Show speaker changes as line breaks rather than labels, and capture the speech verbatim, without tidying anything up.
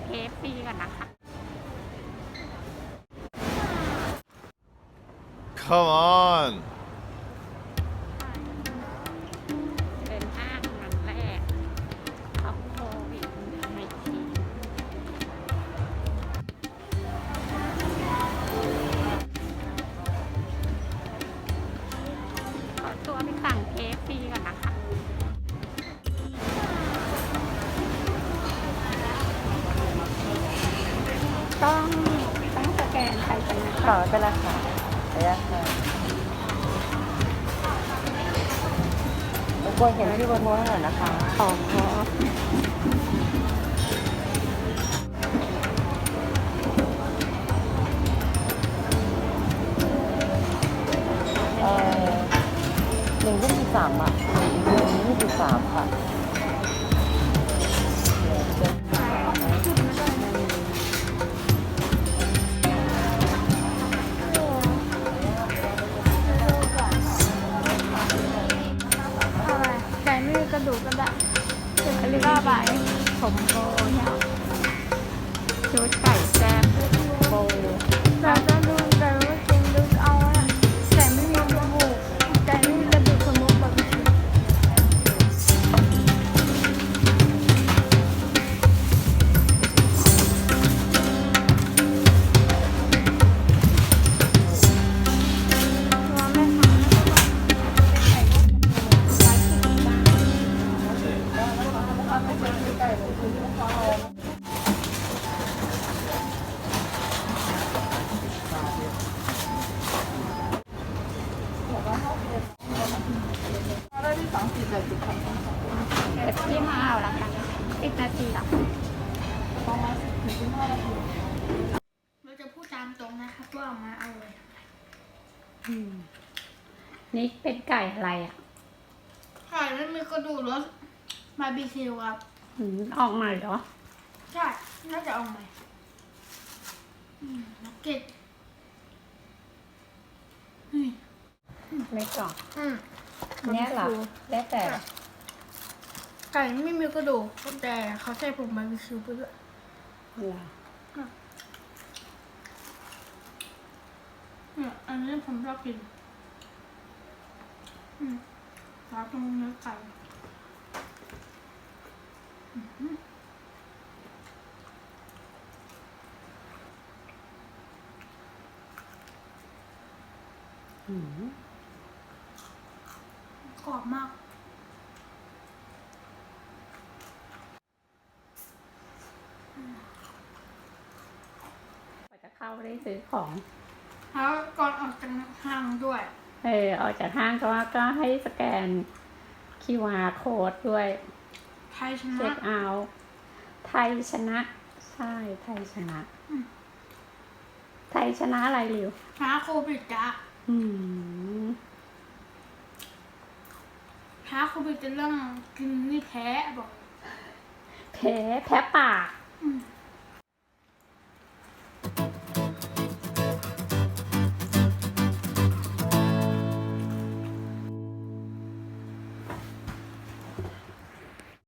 เคฟฟรีก่อนนะคะ
Come on
เป็นห้างวันแรกของโควิดในทีขอตัวไปสั่งเคฟฟรีก่อนนะคะ ต้องต้องสแกนใครไปนะ
ขอเป็นราคาระยะค่ะรบกวนเห็นที่บนโน้ตหน่อยนะคะ
ขอขอ
เอ่อหนึ่งยี่สิบสามอ่ะหนึ่งยี่สิบสามค่ะ
ไก่ไม่มีกระดูกก็ได้
อันนี้ก็ไปผมโบเนี่ยชุดไก่แซ่บโบ
เราจะดูไก่ว่ากินดูเอาอะไก่ไม่มีกระดูกไก่ไม่มีกระดูกสมุนแบบนี้ว่าแม่ค้าไก่ร้อยสิบบาท
เดี๋ยวพี่มาเอาละกันสิบนาทีหรอ
เราจะพูดตามตรงนะครับว่าเอามาอร่อย
นี่เป็นไก่อะไรอ่ะ
ไก่ไม่มีกระดูกรสบาร์บีคิวครับ
อืมออกมาเหรอ
ใช่น่าจะเอาใหม่อืมนักเก็ตอืม
ไม่กล่อง
อืม
เนี่ยเหรอแล้วแต่
ไก่ไม่มีกระดูกแต่เขาใส่ผงบาร์บีคิวไปด้วย
เหรอ
เนี่ยอันนี้ผมชอบกินอืมร้านตรงเนื้อไก่อืม
อืม
กรอบมาก
กว่าจะเข้าได้ซื้อของ
แล้วก่อนออกจากห้างด้วย
เออออกจากห้างก็ก็ให้สแกน คิว อาร์ โค้ดด้วย
ไทยช
เช็
นะ
คเอาท์ไทยชนะ ใช่ไทยชนะ
อืม
ไทยชนะอะไรริว
ชนะโควิดจ้ะ
อืม
แพ้โควิดจะเรื่องกินนี่แพ้บอก
แพ้แพ้ปาก
อืม